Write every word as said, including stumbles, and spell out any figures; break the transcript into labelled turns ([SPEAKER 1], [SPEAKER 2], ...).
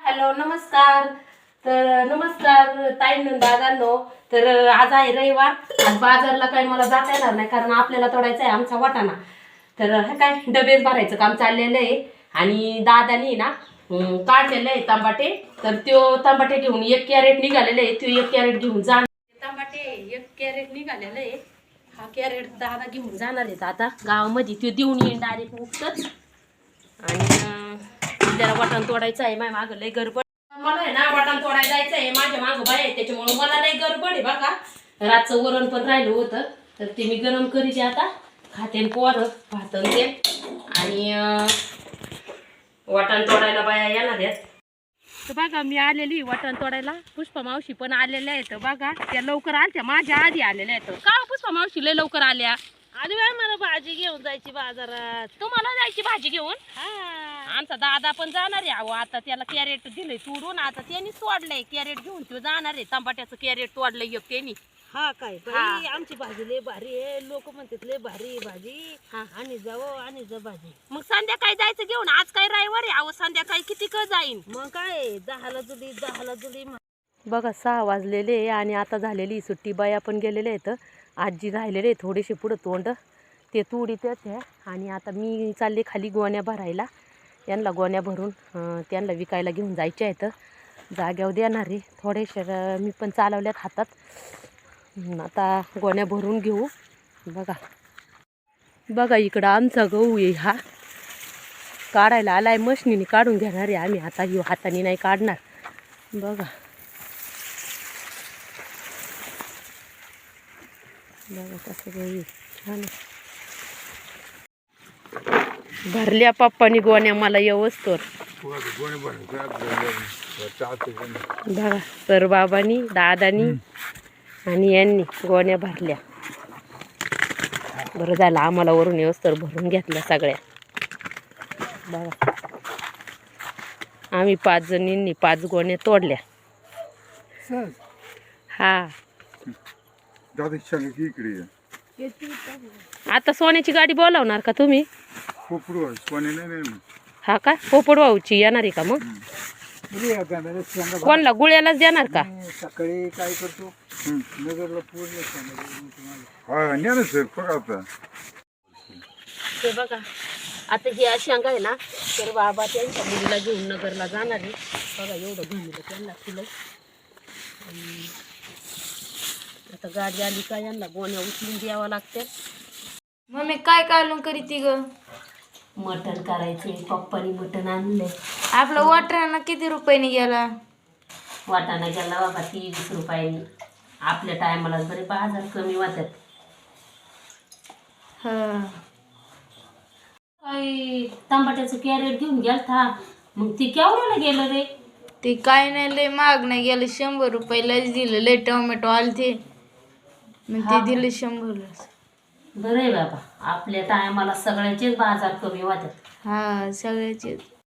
[SPEAKER 1] Hello नमस्कार. तर नमस्कार ताईंनो दादांनो. तर आज आहे रविवार. आज बाजारला काही मला जाता येणार नाही कारण आपल्याला तोडायचा आहे आमचा वाटाणा. तर हे काय डबेच भरायचं काम चाललेलं आहे आणि दादानी ना अं, काढलेलं आहे तांबाटे. तर त्यो तांबाटे घेऊन एक कॅरेट निघालेलं आहे. तो एक कॅरेट घेऊन जा. तांबाटे एक कॅरेट निघालेलं आहे. हा कॅरेट दादा घेऊन जाणार आहेत आता गावामध्ये. तो देऊन येईन डायरेक्ट उठतच. आणि अं, आपल्याला वाटाण तोडायचं आहे. माझ्या मागं लय गडबड. मला आहे ना वाटाण तोडायला जायचं आहे. माझ्या मागं बाय आहे त्याच्यामुळे मला लय गडबड आहे बघा. रातचं वरण पण राहिलं होतं तर ते मी गरम करीते आता. खाते पोरं भातन ते आणि अं, वाटाण तोडायला बाया येणार आहेत. तर बघा मी आलेली वाटाण तोडायला. पुष्पा मावशी पण आलेल्या आहेत बघा. त्या लवकर आल्या माझ्या आधी आलेल्या आहेत. का हो पुष्पा मावशी लय लवकर आल्या?
[SPEAKER 2] आधी वेळ मला भाजी घेऊन जायची बाजारात.
[SPEAKER 1] तुम्हाला जायची भाजी घेऊन?
[SPEAKER 2] हा
[SPEAKER 1] आमचा दादा पण जाणार आहे. अहो आता त्याला कॅरेट दिलंय तोडून. आता त्यांनी तोडलंय कॅरेट घेऊन तो जाणार आहे. टमाट्याचं कॅरेट तोडलंय एक त्यांनी.
[SPEAKER 2] हा काय
[SPEAKER 1] हा.
[SPEAKER 2] बाई आमची भाजी लय भारी आहे. लोक म्हणतात लय भारी आहे भाजी.
[SPEAKER 1] हा.
[SPEAKER 2] आणि जाऊ आणि जा भाजी.
[SPEAKER 1] मग संध्याकाळी जायचं घेऊन. आज काय रविवार आहे. अहो संध्याकाळी किती क जाईन.
[SPEAKER 2] मग काय दहाला जुली दहाला जुली.
[SPEAKER 1] बघा सहा वाजलेले आणि आता झालेली सुट्टी. बाया पण गेलेले आहेत. आजी राहिलेले थोडेसे पुढं तोंड ते तुडीतच आहे. आणि आता मी चालले खाली गोण्या भरायला. यांना गोण्या भरून अं, त्यांना विकायला घेऊन जायचे आहेत. जाग्यावर देणार आहे थोडेसे. मी पण चालवल्यात हातात. आता गोण्या भरून घेऊ. बघा बघा इकडं आमचा गहू आहे हा. काढायला आलाय. मशनीने काढून घेणार आहे आम्ही. आता येऊ हाताने नाही काढणार. बघा बघा कसं गहू छान भरल्या पप्पानी गोण्या मला व्यवस्थोर. बघा सर बाबांनी दादानी आणि यांनी गोण्या भरल्या. बरं झालं आम्हाला वरून व्यवस्थोर भरून घेतल्या सगळ्या. बघा आम्ही पाच जणींनी पाच गोण्या तोडल्या. हा आता सोन्याची गाडी बोलावणार का तुम्ही? हा का पोपड भाऊची येणार आहे का? मग कोणला गुळ्यालाच देणार का?
[SPEAKER 3] सकाळी काय करतो नगरला
[SPEAKER 1] ते बघा आता ही अशी अंग आहे ना. तर बाबा त्यांच्या मुलीला घेऊन नगरला जाणार आहे. बघा एवढं घुमलं त्यांना तिला. आता गाडी आली का यांना गोण्या उचलून द्यावं लागते.
[SPEAKER 4] मम्मी काय कालून करी ती ग?
[SPEAKER 1] मटण करायचे. पप्पानी मटण आणलंय.
[SPEAKER 4] आपला वाटाणा किती रुपयाने गेला?
[SPEAKER 1] वाटाणा गेला बाबा तीस रुपयानी. आपल्या टायमाला बरे बाजार कमी वाटत.
[SPEAKER 4] हा
[SPEAKER 1] काही टमाट्याचं कॅरेट घेऊन गेलता. मग ती केवढ्याला गेलं रे?
[SPEAKER 4] ते काय नाही लय महाग नाही गेलं. शंभर रुपयालाच दिलं. लय टोमॅटो आले ते मग ते दिलं शंभरलाच.
[SPEAKER 1] बरं आहे बाबा. आपल्या टायमाला सगळ्याचेच बाजार कमी वाटत.
[SPEAKER 4] हा सगळ्याचे